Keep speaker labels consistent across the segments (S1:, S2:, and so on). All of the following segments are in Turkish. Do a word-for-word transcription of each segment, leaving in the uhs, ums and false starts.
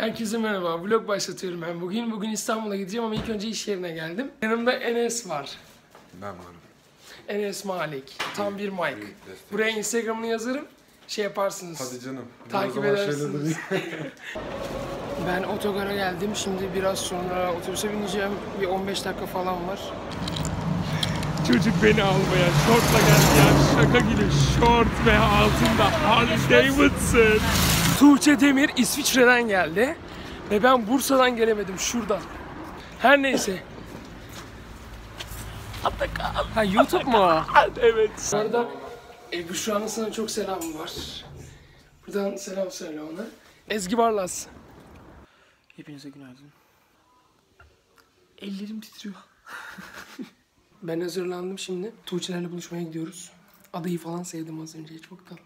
S1: Herkese merhaba, vlog başlatıyorum ben bugün. Bugün İstanbul'a gideceğim ama ilk önce iş yerine geldim. Yanımda Enes var.
S2: Ben varım.
S1: Enes Malik, tam bir Mike. Buraya Instagram'ını yazarım, şey yaparsınız.
S2: Hadi canım.
S1: Takip edersiniz. Ben otogara geldim, şimdi biraz sonra otobüse bineceğim. Bir on beş dakika falan var. Çocuk beni almaya şortla geldi ya, şaka gibi şort ve altında Harley Davidson. Tuğçe Demir İsviçre'den geldi ve ben Bursa'dan gelemedim, şuradan. Her neyse. Ha, YouTube mu? Evet. Bu arada e, Büşra'nın sana çok selamı var. Buradan selam söyle ona. Ezgi Barlas.
S3: Hepinize günaydın. Ellerim titriyor.
S1: Ben hazırlandım şimdi. Tuğçe'lerle buluşmaya gidiyoruz. Adayı falan sevdim az önce. Çok tatlı.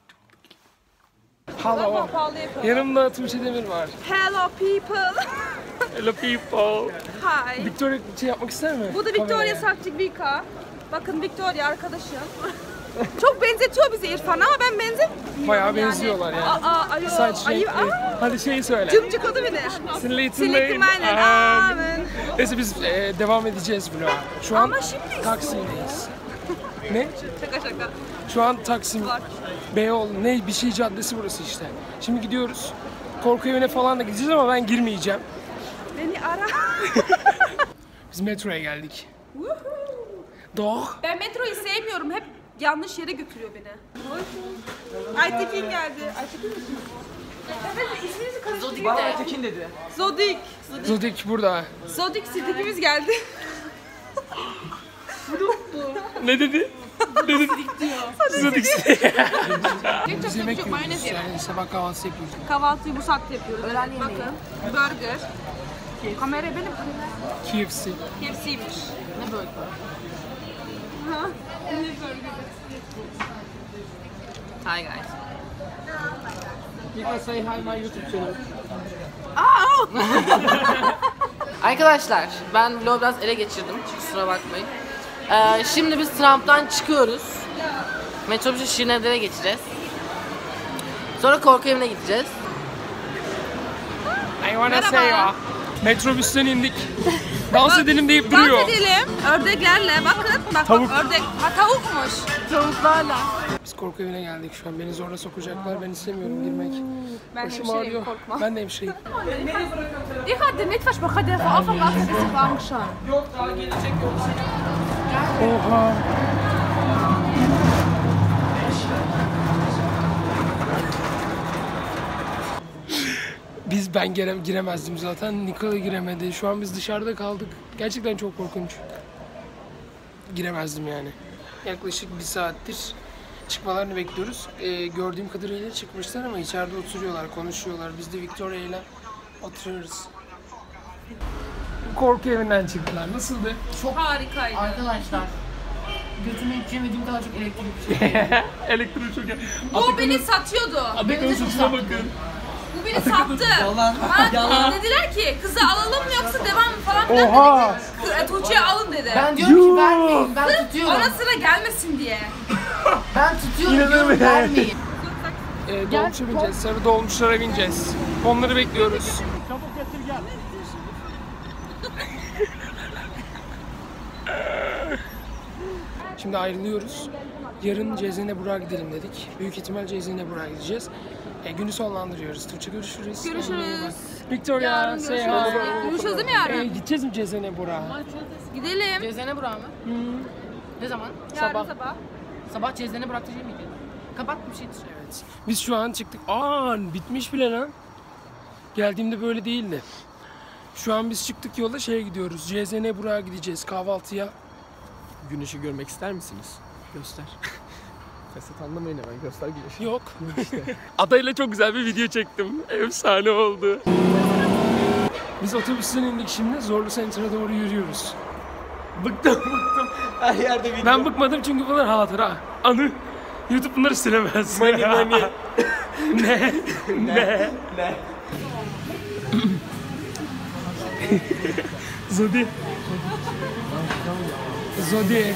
S1: Hello. Yanımda Tuğçe Demir var.
S4: Hello people.
S1: Hello people.
S4: Hi.
S1: Victoria şey yapmak ister mi?
S4: Bu da Victoria Sakcıvika. Bakın Victoria arkadaşım. Çok benzetiyor bizi İrfan'a ama ben benzemiyorum.
S1: Bayağı benziyorlar yani.
S4: Aa, ayı,
S1: Saç
S4: ayı,
S1: renkli.
S4: aa.
S1: Hadi şeyi söyle.
S4: Cımcık adı bilir.
S1: Silletin
S4: Silikli aynen. Amen.
S1: Neyse biz e, devam edeceğiz vloga. Şu an
S4: Ama şimdi
S1: Taksim'deyiz. Ne?
S4: Şaka şaka.
S1: Şu an Taksim,
S4: Var.
S1: Beyoğlu, ne bir şey caddesi burası işte. Şimdi gidiyoruz. Korku evine falan da gideceğiz ama ben girmeyeceğim.
S4: Beni ara.
S1: Biz metroya geldik. Doğ.
S4: Ben metroyu sevmiyorum. Hep yanlış yere götürüyor beni. Aytekin geldi. Aytekin mi? Evet, isminizi karıştırdım.
S3: Bana Aytekin dedi.
S4: Zodik.
S1: Zodik burada.
S4: Zodik Sidik'imiz geldi.
S1: Ne dedi? Ne dedi? Zodik. Biz yemek
S4: çok
S1: yiyoruz.
S4: mayonez yemek.
S1: Yani sabah kahvaltısı yapıyoruz.
S4: Kahvaltıyı bu saatte yapıyoruz. Öğlen yemeği. Bakın. Burger. Kamera benim.
S1: K F C.
S4: K F C'ymiş.
S3: Ne böyle?
S4: Ha? Ne burger?
S3: Hi guys.
S1: You can say hi my YouTube channel.
S3: Arkadaşlar ben vlogu biraz ele geçirdim. Kusura bakmayın. Ee, şimdi biz Trump'tan çıkıyoruz. Metrobüsü Şirinevler'e geçeceğiz. Sonra korku evine gideceğiz.
S1: I wanna say ya. Metrobüsten indik. Dans edelim deyip duruyor.
S4: Dans edelim. Ördeklerle. Bakın. Bak,
S1: Tavuk.
S4: Bak, ördek. Ha tavukmuş.
S3: Tavuklarla.
S1: Biz korku evine geldik şu an. Beni zorla sokacaklar. Ben istemiyorum girmek.
S4: Ben
S1: Başım
S4: hemşireyim,
S1: ağrıyor.
S4: korkma.
S1: Ben de hemşireyim.
S4: Ich hatte nicht versprochen, der von Anfang an ein bisschen Angst haben.
S1: Yok daha gelecek yok. Oha. Biz ben gire, giremezdim zaten. Nikola giremedi. Şu an biz dışarıda kaldık. Gerçekten çok korkunç. Giremezdim yani. Yaklaşık bir saattir çıkmalarını bekliyoruz. Ee, gördüğüm kadarıyla çıkmışlar ama içeride oturuyorlar, konuşuyorlar. Biz de Victoria ile oturuyoruz. Korku evinden çıktılar. Nasıldı?
S3: Çok
S4: Harikaydı.
S3: arkadaşlar. Götüme hiç yemediğim kadar çok elektrik bir şey.
S1: Elektrik çok...
S4: Bu beni satıyordu.
S1: Atakan'ın saçına bakın.
S4: Bu beni sattı. Bana dediler ki kızı alalım mı yoksa devam mı falan filan
S1: Oha!
S4: dedi. Kı- Tuğçe'yi alın dedi.
S3: Ben diyorum ki vermeyin. Ben tutuyorum.
S4: Ona sıra gelmesin diye.
S3: Ben tutuyorum
S1: İnanır
S3: diyorum
S1: mısın?
S3: vermeyin.
S1: Ee, dolmuşa bineceğiz, sarı dolmuşlara bineceğiz. Onları bekliyoruz. Şimdi ayrılıyoruz. Yarın Cezene Burak'a gidelim dedik. Büyük ihtimal Cezene Burak'a gideceğiz. E, günü sonlandırıyoruz. Tuğçe görüşürüz.
S4: Görüşürüz.
S1: Victoria,
S4: Yarın
S1: say
S4: görüşürüz.
S1: hi.
S4: Görüşürüz değil mi yarın?
S1: E, gideceğiz mi Cezene Burak'a?
S4: Gidelim.
S3: Cezene Burak mı? Ne zaman?
S4: Yarın
S1: sabah.
S4: sabah.
S3: Sabah Cezene Burak diyecek miydi? Kapat bir şeydir.
S1: Evet. Biz şu an çıktık. Aa, bitmiş bile lan. Geldiğimde böyle değildi. Şu an biz çıktık yola şeye gidiyoruz. Cezene Burak'a gideceğiz kahvaltıya. Güneşi görmek ister misiniz? Göster.
S2: Fesat anlamayın hemen göster güneşi.
S1: Yok. Adayla çok güzel bir video çektim. Efsane oldu. Biz otobüsten indik şimdi. Zorlu Center'a doğru yürüyoruz. Bıktım bıktım.
S2: Her yerde video.
S1: Ben bıkmadım çünkü bunlar hatıra. Anı. YouTube bunları silemez.
S2: Mani mani.
S1: Ne? Ne?
S2: Ne?
S1: Zodi. Zodi.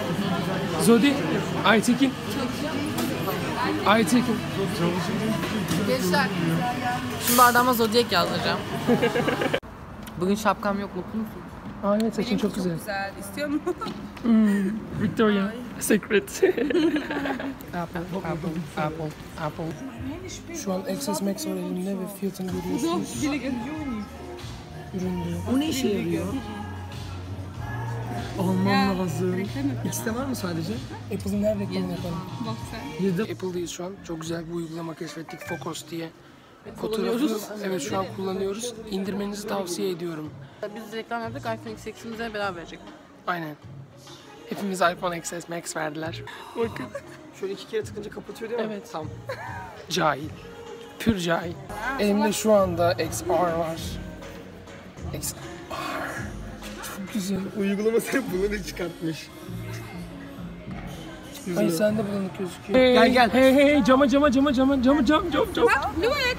S1: Zodi. Aytekin. Aytekin.
S3: Gençler. Şimdi bardağıma Zodiac yazdıracağım. Bugün şapkam yok, mutlu musun?
S1: Aa evet, saçın çok güzel.
S4: Güzel. İstiyor musun?
S1: Victoria Secret. Apple, Apple, Apple, Apple. Şu an Access Max var elimde ve fiyatını görüyorsunuz. Ürün diyor.
S2: O ne işe yarıyor? Almam lazım. İkisi de var mı sadece?
S1: Apple'ın her reklamını yapalım.
S4: Bak sen.
S2: Yedi.
S1: Apple'dayız şu an. Çok güzel bir uygulama keşfettik. Focus diye. Fotoğrafı evet şu an kullanıyoruz. İndirmenizi tavsiye ediyorum.
S3: Biz reklam yaptık, iPhone X X'imize beraber verecek.
S1: Aynen. Hepimiz iPhone X S Max verdiler. Bakın.
S2: Şöyle iki kere tıkınca kapatıyor değil mi?
S1: Evet.
S2: Tamam.
S1: Cahil. Pür cahil. Elimde şu anda X R var. X R. Çok güzel.
S2: Uygulama sen bunu çıkartmış.
S1: Ay sen de bulanık gözüküyor.
S2: Gel, gel.
S1: Hey hey hey cama cama cama cama cama cam cam cam.
S4: Luek.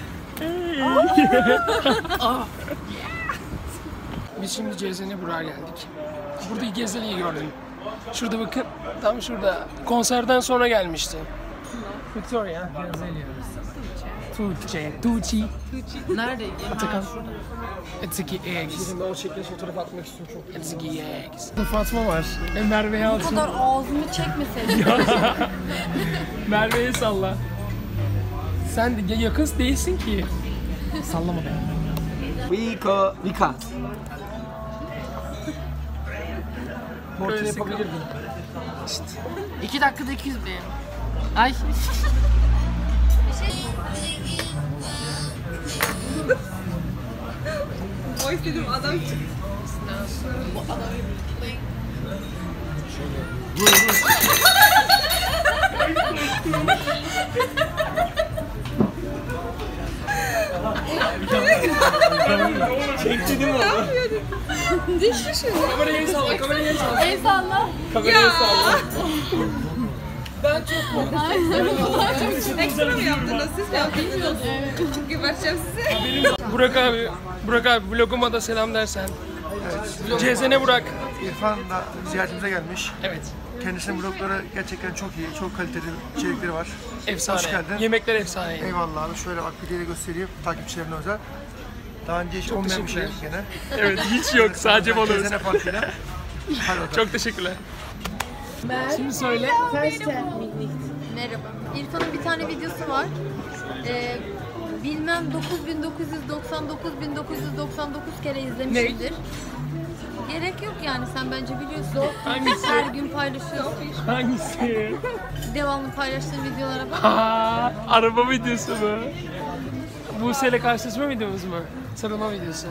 S1: Biz şimdi C Z N Burak'a geldik. Burada Gezeli'yi gördüm. Şurada bakın. Tam şurada. Konserden sonra gelmişti. Victoria. Gezeli. Tuğçe. Tuğçi.
S3: Nerede?
S1: Atakan. Etziki eggs.
S2: Şimdi o şekilde fotoğraf atmak istiyorum çok.
S1: Etziki eggs. Fatma var. E, Merve'ye
S5: Bu
S1: alsın.
S5: kadar ağzımı çekmeseydin.
S1: Merve'ye salla. Sen de yakın değilsin ki. Sallama be.
S2: Vika. Vika. Mortis
S1: Öyle
S2: yapabilirdin.
S3: İki dakikada iki yüz bin. Ay.
S4: O istedim adam çıktı.
S2: Çekti değil mi onu?
S4: Düştü şimdi.
S1: Kamerayı salla, kamerayı salla.
S5: El salla.
S2: Kamerayı salla.
S4: Ekstra mı yaptınız? Siz mi yaptınız? Evet. Geberteceğim sizi.
S1: Burak abi, Burak abi vloguma da selam dersen. C Z N Burak.
S6: İrfan da ziyaretimize gelmiş.
S1: Evet.
S6: Kendisinin blogları gerçekten çok iyi, çok kaliteli içerikleri var.
S1: Efsane.
S6: Hoş geldin.
S1: Yemekler efsane.
S6: Eyvallah abi. Şöyle bak videoyu da göstereyim takipçilerine özel. Daha önce hiç olmayan bir şey
S1: teşekkürler.
S6: gene.
S1: Evet, hiç yok. Sadece bana özel.
S6: Gezene farkıyla. Hadi bakalım.
S1: Çok teşekkürler. Şimdi söyle.
S5: Merhaba. İrfan'ın bir tane videosu var. Ee, bilmem dokuz bin dokuz yüz doksan dokuz bin dokuz yüz doksan dokuz kere izlemişimdir. Gerek yok yani, sen bence biliyorsun.
S1: Hangisi?
S5: Her gün paylaşıyorsun.
S1: Hangisi?
S5: Devamlı paylaştığın videolara bak.
S1: Aa, araba videosu mu? Buse'yle karşılaşma videomuz mu? Sarılma videosu.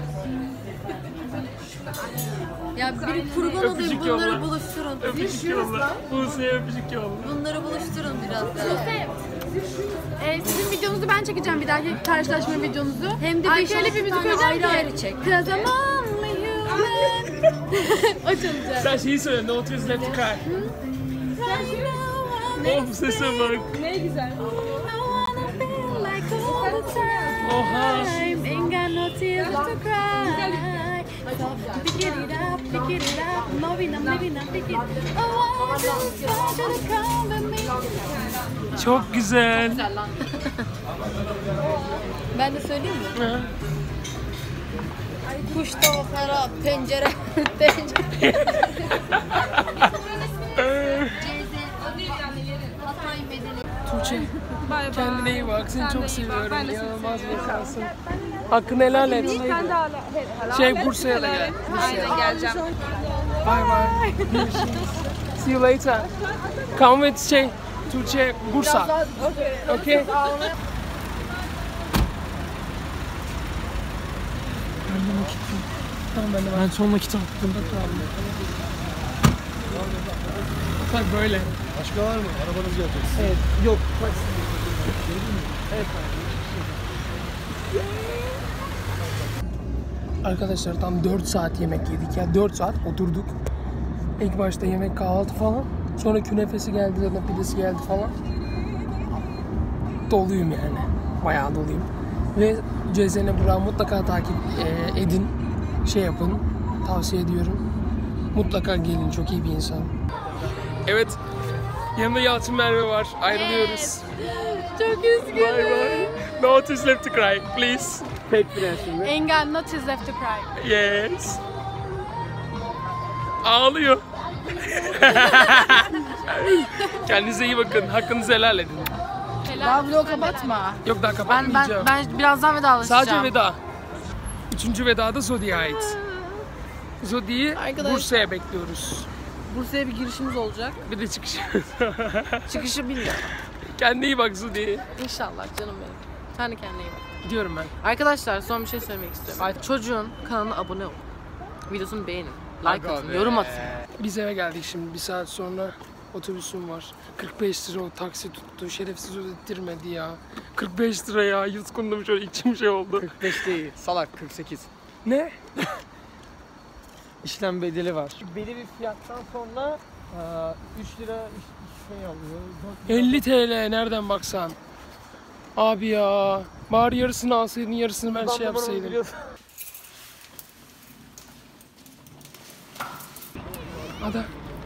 S5: Ya biri kurban olayım,
S1: Öpücük
S5: bunları
S1: yolla.
S5: buluşturun.
S1: Öpücük yolla. Buse'ye öpücük yolla.
S5: Bunları buluşturun biraz daha.
S7: Ee, sizin videonuzu ben çekeceğim, bir dahaki karşılaşma videonuzu.
S5: Hem de
S7: Ay,
S5: beş
S7: şöyle
S5: altı
S7: bir müzik
S5: tane
S7: koyacağım
S5: ayrı
S7: ki.
S5: ayrı çek.
S7: Cause I'm only human. O çalacak.
S1: Sen şeyi söyle, no tears left to cry. Oh, sese bak.
S7: Ne güzel.
S1: Oha.
S7: Ain't got no tears left to cry. So pick it up, pick it up. Maybe not, maybe not, pick it. Oh, I just want you to come with me.
S1: Çok güzel.
S5: Ben de söyleyeyim mi?
S1: Hı.
S5: Kuş tavuklara pencere, pencere. Hatay bedeli.
S1: Tuğçe,
S4: Bay bay.
S1: kendine iyi bak. Seni
S4: Sen de
S1: çok
S4: iyi bak,
S1: seviyorum.
S4: ben de seni
S1: İnanılmaz bir insansın. Hakkını helal et.
S4: Sen de hala. hala
S1: Şey,
S4: hala-
S1: Bursa'ya da
S4: helal
S1: gel.
S4: et. Aynen geleceğim.
S1: Bye bye. Görüşürüz. See you later. Come with şey, Tuğçe, Bursa. Okay. Ben de nakit Tamam ben de ben son nakit attım. Bak böyle.
S6: Başka var mı? Arabanız gelecek.
S1: Evet. Yok. Evet. Arkadaşlar tam dört saat yemek yedik ya. dört saat oturduk. İlk başta yemek, kahvaltı falan. Sonra künefesi geldi, zaten pidesi geldi falan. Doluyum yani. Bayağı doluyum. Ve C Z N Burak'ı mutlaka takip e, edin. Şey yapın. Tavsiye ediyorum. Mutlaka gelin. Çok iyi bir insan. Evet. Yanında Yalçın Merve var. Ayrılıyoruz.
S5: Yes. Çok üzgünüm.
S1: Bye bye. No tears left to cry, please.
S2: Pek prensimi.
S7: Engel not is left to cry.
S1: Yes. Ağlıyor. Kendinize iyi bakın. Hakkınızı helal edin.
S3: Daha vlogu kapatma.
S1: Yok daha
S3: Ben,
S1: kapatmayacağım.
S3: ben, ben birazdan vedalaşacağım.
S1: Sadece veda. Üçüncü veda da Zodi'ye ait. Zodi'yi
S3: Arkadaş-
S1: Bursa'ya bekliyoruz.
S3: Bursa'ya bir girişimiz olacak.
S1: Bir de çıkış.
S3: Çıkışı bilmiyorum.
S1: Kendine iyi bak Zodi.
S3: İnşallah canım benim. Sen de kendine iyi bak.
S1: Gidiyorum ben.
S3: Arkadaşlar son bir şey söylemek istiyorum. Çocuğun kanalına abone olun. Videosunu beğenin. Like atın, yorum atın.
S1: Biz eve geldik şimdi. Bir saat sonra otobüsüm var. kırk beş lira o taksi tuttu. Şerefsiz ödettirmedi ya. kırk beş lira ya. Yutkundum şöyle içim şey oldu.
S2: kırk beş değil. Salak kırk sekiz.
S1: Ne?
S2: İşlem bedeli var. Belli bir fiyattan sonra üç lira şey alıyor.
S1: elli TL nereden baksan. Abi ya. Bari yarısını alsaydın, yarısını ben şey yapsaydım. Ada.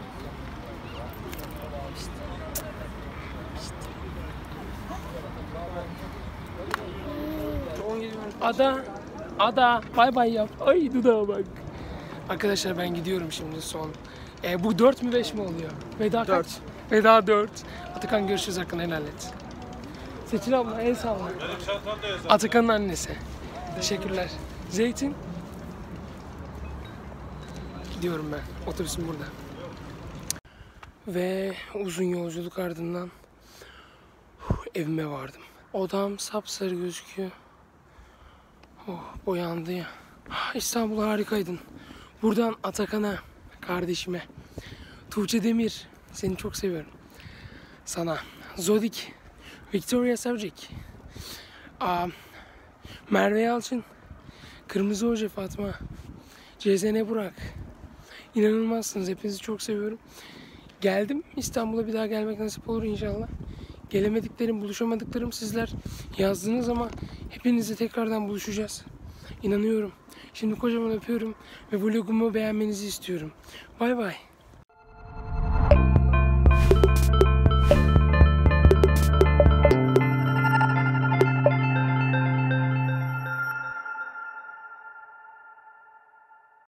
S1: Ada. Ada. Bay bay yap. Ay dudağa bak. Arkadaşlar ben gidiyorum şimdi son. E, bu dört mü beş mi oluyor? Veda kaç? Veda dört. Atakan görüşürüz, hakkını helal et. Seçil abla el salla. Atakan'ın annesi. Teşekkürler. Zeytin. Gidiyorum ben. Otobüsüm burada. Ve uzun yolculuk ardından huh, evime vardım. Odam sapsarı gözüküyor. Oh, boyandı ya. İstanbul harikaydın. Buradan Atakan'a, kardeşime, Tuğçe Demir, seni çok seviyorum. Sana, Zodik, Victoria Savcik, Aa, Merve Yalçın, Kırmızı Hoca Fatma, Cezene Burak. İnanılmazsınız. Hepinizi çok seviyorum. Geldim. İstanbul'a bir daha gelmek nasip olur inşallah. Gelemediklerim, buluşamadıklarım sizler yazdınız ama hepinizle tekrardan buluşacağız. İnanıyorum. Şimdi kocaman öpüyorum ve vlogumu beğenmenizi istiyorum. Bay bay.